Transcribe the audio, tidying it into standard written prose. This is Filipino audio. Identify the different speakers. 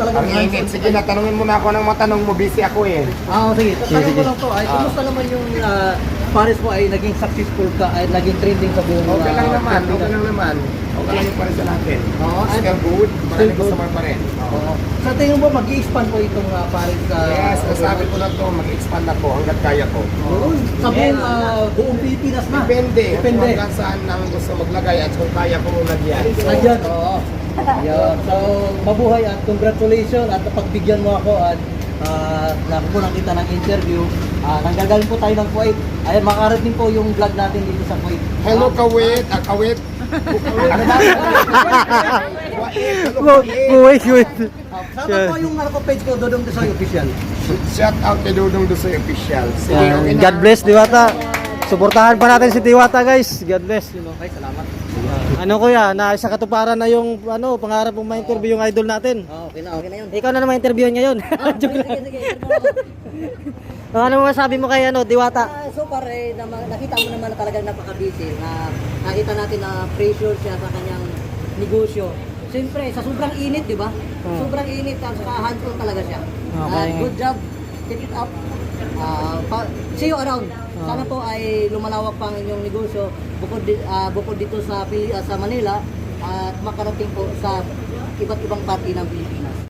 Speaker 1: talagang
Speaker 2: Ang ingit. Sige na, tanungin mo na ako ng matanong mo. Busy ako eh.
Speaker 1: Sige. Tanong ko lang po, ay kumusta naman yung Paris mo ay naging successful ka, ay naging trending sa buong
Speaker 2: Okay lang naman.
Speaker 1: Pilipinas?
Speaker 2: Okay lang naman. Okay lang yung pares sa natin.
Speaker 1: Oo,
Speaker 2: Still good. Maraming customer pa rin.
Speaker 1: Oo. Sa tingin mo, mag-i-expand po itong Paris sa...
Speaker 2: Yes, nasabi ko na to, mag-expand ako hanggat kaya ko.
Speaker 1: Sa buong Pilipinas na.
Speaker 2: Depende. Kung
Speaker 1: Depende.
Speaker 2: hanggang saan ang gusto maglagay at kung kaya ko lagyan. So,
Speaker 1: Nandiyan, oo. Yan. So, mabuhay at congratulations at pagbigyan mo ako at nakukunan kita ng interview. Nanggagaling po tayo ng Kuwait. Ayan, makarating po yung vlog natin dito sa Kuwait.
Speaker 2: hello Kawit. Kawit. Ano ba?
Speaker 3: Wait.
Speaker 1: Sama po yung page ko, Dodong Desoy Official.
Speaker 2: Shout out kay Dudong Dusoy Official. Sige, okay na.
Speaker 3: God bless, Diwata. Suportahan pa natin si Diwata, guys. God bless.
Speaker 1: Okay, salamat.
Speaker 3: Ano kuya, naisa katuparan na yung pangarap mong ma-interview yung idol natin.
Speaker 1: Okay na yun.
Speaker 3: Ikaw na naman interview ngayon. Joke lang.
Speaker 1: Sige.
Speaker 3: Ano mo masabi mo kay Diwata?
Speaker 1: So far, nakita mo naman na talagang napaka-busy. Nakita natin na pressure siya sa kanyang negosyo. Siyempre, sa sobrang init, di ba? Sobrang init, at saka hands-on talaga siya.
Speaker 3: Okay.
Speaker 1: Good job. Keep it up. See you around. Sana po ay lumalawak pa ang inyong negosyo bukod dito sa Manila at makarating po sa iba't ibang parte ng Pilipinas.